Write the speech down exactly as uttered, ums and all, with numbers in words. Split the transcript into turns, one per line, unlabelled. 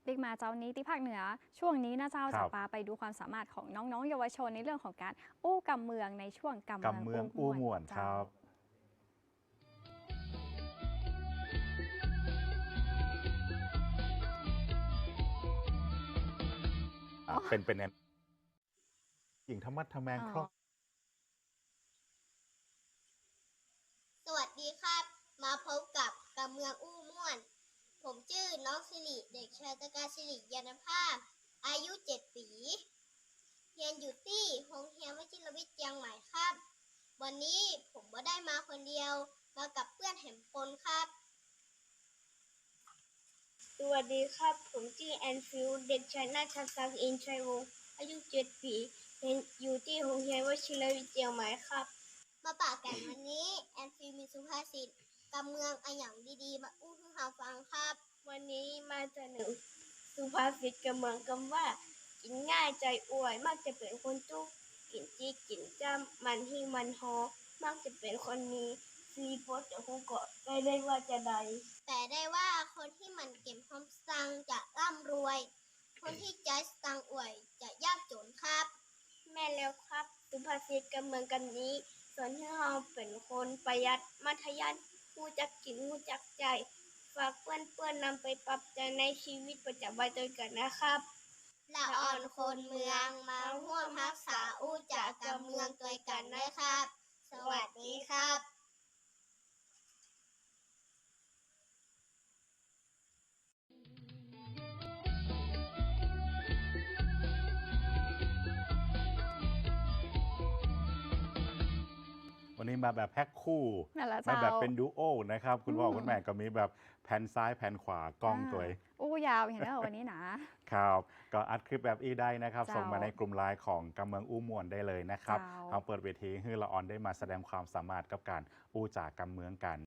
บิ๊กมาเจ้านี้ที่ภาคเหนือช่วงนี้นะเจ้า
ครั
จะ
บ
ปาไปดูความสามารถของน้องๆเยาวชนในเรื่องของการอู้กำเมืองในช่วงกำเมือง
กำเมือง
อู้
อู้
ม่
ม่
ว
วน นค
เจ้า
รับอ่ะ
อ๋อ
เป็นเป็นแนวหญิงธรรมะทแมง
อ๋อ
ครอบ
สวัสดีครับ มาพบกับกำเมืองอู้ม่วน ผมชื่อน้องสิริเด็กชายตะการสิริยานภาพ อายุเจ็ดปีเรียนอยู่ที่โรงเรียนวชิรวิทย์เชียงใหม่ครับ วันนี้ผมบ่ได้มาคนเดียว มากับเพื่อนแหมปนครับ สวัสดีครับ ผมชื่อแอนฟิลเด็กชายนาชศักดิ์อินชัยวงศ์อายุเจ็ดปีเรียนอยู่ที่โรงเรียนวชิรวิทย์เชียงใหม่ครับ มาปากกันวันนี้ แอนฟิลมีสุภาษิตกำเมืองอะหยังดีๆมาอู้ให้เราฟังครับ วันนี้มาเสนอสุภาษิตกำเมืองคำว่า กินง่ายใจอวยมักจะเป็นคนจุกกินจีกินจ้ำมันที่มันฮอมักจะเป็นคนมีซีโพสจะคงเกาะได้ได้ว่าจะใด แต่ได้ว่าคนที่มันเก็บความสตังค์จะร่ำรวย คนที่ใจสตังค์อวยจะยากจนครับ แม่แล้วครับ สุภาษิตกำเมืองกันนี้สอนให้เราเป็นคนประหยัดมัธยัสถ์รู้จักกินรู้จักใจายฝากเพื่อนๆนำไปปรับใช้ในชีวิตประจำวันด้วยกันนะครับละอ่อนคนเมืองมาร่วมรักษาอู้จากกำเมืองด้วยกันนะครับ สวัสดีครับ
วันนี้มาแบบแพ็คคู่
นั่นแหละ
มา
เจ้า
แบบเป็นดูโอนะครับ คุณพ่อ
อืม
คุณแม่ก็มีแบบแผ่นซ้ายแผ่นขวากล้องตัวเอง
าอู้ยาวอย่างนี้นเหรอวันนี้นะ
ครับ ก็อัดคลิปแบบอีได้นะครับ
เจ้า
ส่งมาในกลุ่มไลน์ของกำเมืองอู้ม่วนได้เลยนะครับ
เจ้า
เอาเปิดเวทีให้ละออนได้มาแสดงความสามารถกับการอู้จากกำเมืองกัน